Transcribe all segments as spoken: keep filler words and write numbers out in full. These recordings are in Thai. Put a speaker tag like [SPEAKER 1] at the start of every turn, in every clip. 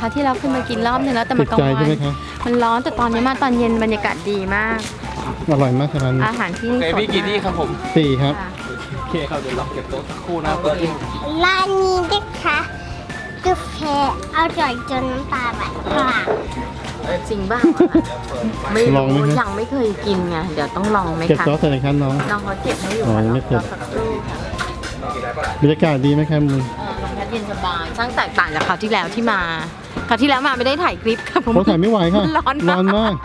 [SPEAKER 1] ที่เราเคยมากินรอบนึงแล้วแต่
[SPEAKER 2] ติ
[SPEAKER 1] มัน
[SPEAKER 2] ด
[SPEAKER 1] กลาง
[SPEAKER 2] ใจ
[SPEAKER 1] วั
[SPEAKER 2] ใช่ไหม
[SPEAKER 1] น
[SPEAKER 2] คะ
[SPEAKER 1] มันร้อนแต่ตอนนี้มาตอนเย็นบรรยากาศดีมาก
[SPEAKER 2] อร่อยมากครับร้านนี้
[SPEAKER 1] อาหารที่
[SPEAKER 3] โอ
[SPEAKER 1] นี่
[SPEAKER 3] เค
[SPEAKER 1] สด
[SPEAKER 3] พี่กี่ที่ครับผม
[SPEAKER 2] สี่ครับ
[SPEAKER 1] ค่ะ
[SPEAKER 3] โอเคครับเดี๋ยวเราเก็บโต๊ะสักครู่นะครับเพื่อน
[SPEAKER 4] ร้านนี้นะคะกาแฟอร่อยจนน้ำตาไหลค่ะ
[SPEAKER 1] จริงบ้างไม่
[SPEAKER 2] ลองไหม
[SPEAKER 1] รู้
[SPEAKER 2] คะ
[SPEAKER 1] ยังไม่เคยกินไงเดี๋ยวต้องลองไหม
[SPEAKER 2] เก็บ
[SPEAKER 1] คะ
[SPEAKER 2] ซอสใส่ในคันน้อง
[SPEAKER 1] น้องเขาเก็บให้อยู่
[SPEAKER 2] อ๋อยังไม่เก็บ
[SPEAKER 1] รอสักครู่ค่ะ
[SPEAKER 2] บรรยากาศดีไหมครับมึง
[SPEAKER 1] เออลมพัดเย็นสบายช่างแตกต่างจากคราวที่แล้วที่มาคราวที่แล้วมาไม่ได้ถ่ายคลิปค่ะผม
[SPEAKER 2] เขาถ่ายไม่ไหวค่ะ
[SPEAKER 1] ร้อนมาก
[SPEAKER 2] ร้อนมาก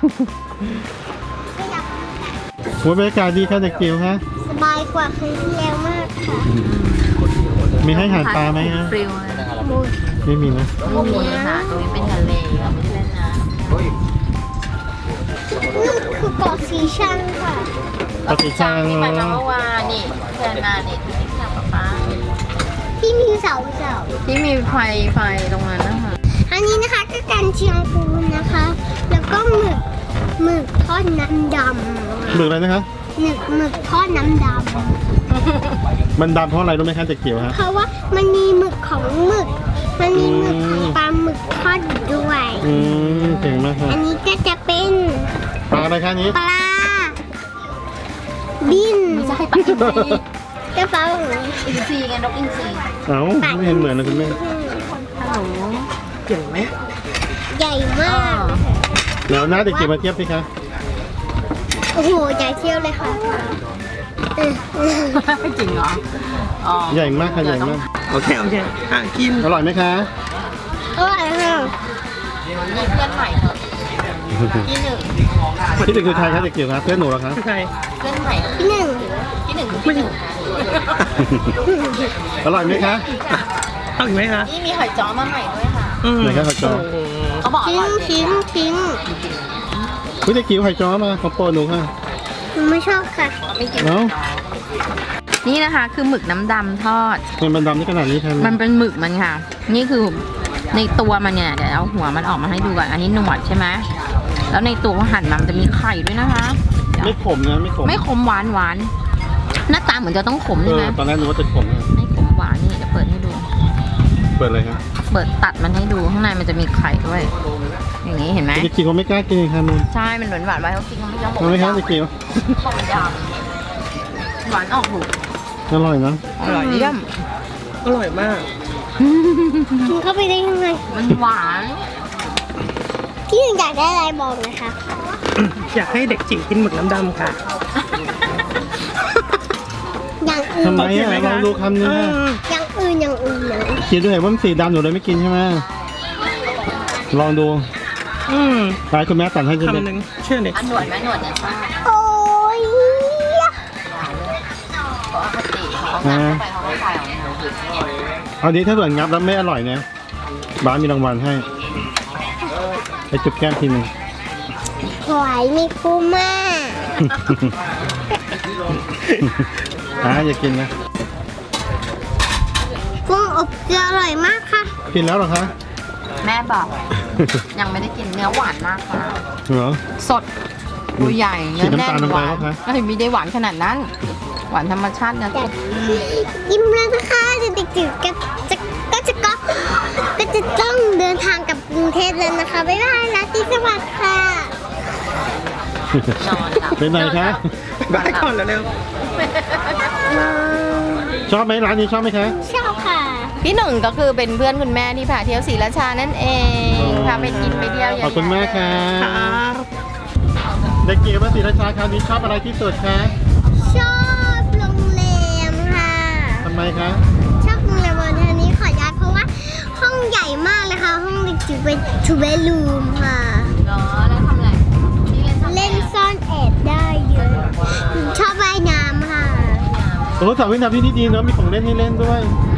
[SPEAKER 2] โอ้ยบรรยากาศดีค่ะเด็กจิ๋วคะ
[SPEAKER 4] สบายกว่าครั้งที่แล้วมากค่ะ
[SPEAKER 2] มีให้อาหารปลาไหมฮะ
[SPEAKER 1] ฟริวเลย
[SPEAKER 4] มูส
[SPEAKER 2] ไม่มีนะ
[SPEAKER 1] ไม่มีค่ะตรงนี้เป็นทะเลเราไม่ได้เล่นน้
[SPEAKER 4] นี่คือเกาะสีชังค่ะ
[SPEAKER 1] ำ
[SPEAKER 2] ปฏิชัง
[SPEAKER 1] ที่ไปมาเมื่อวานนี่เพื่อนมานี่ที่ทำกับป้า
[SPEAKER 4] ที่มีเสาเสา
[SPEAKER 1] ที่มีไฟไฟตรงนั้นนะคะ
[SPEAKER 4] อันนี้นะคะก็การเชียงปูนะคะ แล้วก็หมึกหมึกทอดน้ำด
[SPEAKER 2] หมึกอะไรนะคะ
[SPEAKER 4] ำหมึกหมึกทอดน้ำด
[SPEAKER 2] มันดำเพราะอะไรรู้ไหมคะเด็กจิ๋วฮะ
[SPEAKER 4] ำเพราะว่ามันมีหมึกของหมึก มันมีหมึกของปลาหมึกทอดอยู่ด้วย
[SPEAKER 2] อืมเก่งมากค่ะ
[SPEAKER 4] อันนี้ก็จะเป็น
[SPEAKER 2] ปลาอะไรคะนี้
[SPEAKER 4] ปลาบิน
[SPEAKER 1] ไม่ใช่ปลาอินทรี
[SPEAKER 4] กระเป๋า
[SPEAKER 1] อินทรีไงนกอินทรี
[SPEAKER 2] เอ้าไม่เห็นเหมือนนะคุณแม่
[SPEAKER 1] ฮัลโหลเจ๋งไหม
[SPEAKER 4] ใหญ่มาก
[SPEAKER 2] เดี๋ยวนะเด็กจิ๋วมาเทียบสิคะ
[SPEAKER 4] โอ้โหใหญ่เที่ยวเลยค่ะเออเออ
[SPEAKER 1] ไม่จริงเหรออ๋อ
[SPEAKER 2] ใหญ่มากค่ะใหญ่มาก
[SPEAKER 3] โอเคโอเคอ่ะกิน
[SPEAKER 2] อร่อยไหมคะ
[SPEAKER 4] อร่อยค่ะ
[SPEAKER 1] มีเพื่อนใหม่เถอะที่หนึ่ง
[SPEAKER 2] ที่หนึ่งคือใครคะเด็กจิ๋วครับเพื่อนหนูเหรอคะ
[SPEAKER 3] ใคร
[SPEAKER 1] เพื่อนใหม่
[SPEAKER 4] ที่หนึ่ง
[SPEAKER 1] ที่หนึ่งคือที่หนึ่ง
[SPEAKER 2] อร่อยไหมคะ
[SPEAKER 3] เอาอีกไหมคะ
[SPEAKER 1] นี่มีหอยจ้อมาใหม่ด้วยค่ะ
[SPEAKER 3] อืม
[SPEAKER 2] ไหนคะขอจอ
[SPEAKER 1] เขาบอกอ
[SPEAKER 4] ทิ้ง
[SPEAKER 1] ร่อย
[SPEAKER 4] ทิ้งทิ้ง
[SPEAKER 2] คุณเด็กจิ๋วไข่จ้อมาของโปรดหนูค่ะ
[SPEAKER 4] หนูไม่ชอบค่ะ
[SPEAKER 1] ไม่กิน
[SPEAKER 2] เอ้า
[SPEAKER 1] นี่นะคะคือหมึกน้ำดำทอด
[SPEAKER 2] ทำไมมันดำได้ขนาดนี้คะ
[SPEAKER 1] มันเป็นหมึกมันค่ะ นี่คือในตัวมันเนี่ยเดี๋ยวเอาหัวมันออกมาให้ดูก่อนอันนี้หนวดใช่ไหมแล้วในตัวเขาหั่นมามันจะมีไข่ด้วยนะคะ
[SPEAKER 2] ไม่ขมนะไม่ขม
[SPEAKER 1] ไม่ขมหวานหวานหน้าตาเหมือนจะต้องขม
[SPEAKER 2] เอ
[SPEAKER 1] ใช่ไหม
[SPEAKER 2] อตอนแรกนึกว่าจะขมนะ
[SPEAKER 1] ไม่ขมหวานนี่จะเปิดให้ดู
[SPEAKER 2] เปิดเลยครับ
[SPEAKER 1] เปิดตัดมันให้ดูข้างในมันจะมีไข่ด้วย อย่างนี้เห็นไหม
[SPEAKER 2] เด็กจิ๋วเขาไม่กล้ากินค่ะมึง
[SPEAKER 1] ใช่มันหวานหวานไว้เขากินเขาไม่ชอบ
[SPEAKER 2] ทำไหมคะเด็กจิ๋ว
[SPEAKER 1] ต้มยำหวานออกถูก
[SPEAKER 2] อร่อยนะ
[SPEAKER 1] อร่อยเยี่ยม
[SPEAKER 3] อร่อยมาก
[SPEAKER 4] กินเข้าไปได้ยังไง
[SPEAKER 1] มันหวาน
[SPEAKER 4] ที่หนึ่งอยากได้อะไรบอกนะคะ
[SPEAKER 3] อยากให้เด็กจิ๋วกินหมึกน้ำดำค่ะ
[SPEAKER 4] อย่างอื่น
[SPEAKER 2] ทำไมอ่ะลองดูคำนึง
[SPEAKER 3] เอ
[SPEAKER 2] ค่ะ
[SPEAKER 3] อ
[SPEAKER 4] อย่างอื่นอย่างอื่นเลย
[SPEAKER 2] กินด้วยว่ามันสีดำหนูเลยไม่กินใช่ไหมลองดู
[SPEAKER 3] อืม
[SPEAKER 2] ตายคุณแม่ตัดให้คุณ
[SPEAKER 3] คำหนึ่งเชื่อเด็ก
[SPEAKER 1] อันหนวดไหมหนวดเนี่ยชอบ
[SPEAKER 4] โอ้ย
[SPEAKER 1] เพราะปกติเขางับเข้าไปเขาไม่ใส่ออกมา
[SPEAKER 2] เอาดีถ้าเกิดงับแล้วไม่อร่อยเนี่ยบ้านมีรางวัลให้ไปจุบแก้มทีหนึง
[SPEAKER 4] หอยมีคูม่า
[SPEAKER 2] อ่าอย่ากินนะ
[SPEAKER 4] กุ้งอบเกลืออร่อยมากค่ะ
[SPEAKER 2] กินแล้วเหรอคะ
[SPEAKER 1] แม่บอกยังไม่ได้กินเนื้อหวานมากค่ะ
[SPEAKER 2] เหรอ
[SPEAKER 1] สดตัวใหญ่เนื้อแน่น
[SPEAKER 2] ฉีดน้ำตาลลง
[SPEAKER 1] ห
[SPEAKER 2] ไป
[SPEAKER 1] วาน
[SPEAKER 2] ปะคะ
[SPEAKER 1] เอ้ยไม่ได้หวานขนาดนั้น หวานธรรมชาตินะ
[SPEAKER 4] ยิ้มแล้วนะคะเด็กจิ๋วก็จะก็จะก็ก็จะต้องเดินทางกลับกรุงเทพแล้วนะคะบ๊ายบายราตรีสวัสดิ์ค่ะ
[SPEAKER 1] นอนหลับ
[SPEAKER 2] เป็นไงคะ
[SPEAKER 3] บายก่อนเร็ว
[SPEAKER 2] ชอบไหมร้านนี้ชอบไหมคะ
[SPEAKER 4] ชอบค่ะ
[SPEAKER 1] พี่หนึ่งก็คือเป็นเพื่อนคุณแม่ที่พาเที่ยวศรีราชานั่นเองพาไปกินไปเที่ยวเยอะ
[SPEAKER 2] ขอบคุณมากค่ะ
[SPEAKER 3] ๆครับ
[SPEAKER 2] เด็กเก๋มาศรีราชาคราวนี้ชอบอะไรที่สุดคะ
[SPEAKER 4] ชอบโรงแรมค่ะ
[SPEAKER 2] ทำไมคะ
[SPEAKER 4] ชอบโรงแรมวันนี้ขอย้ายเพราะว่าห้องใหญ่มากเลยค่ะ ห้องเด็กจิ๋วเป็นทูเบดรูมค่ะ
[SPEAKER 1] เนาะแล้วทำอะไรนี่เล่นซ่อน
[SPEAKER 4] เล่นซ่อนแอบได้เยอะชอบว่ายน้ำค่ะ
[SPEAKER 2] โอ้สระว่ายน้ำที่นี่ดีเนาะมีของเล่นให้เล่นด้วย
[SPEAKER 4] ใ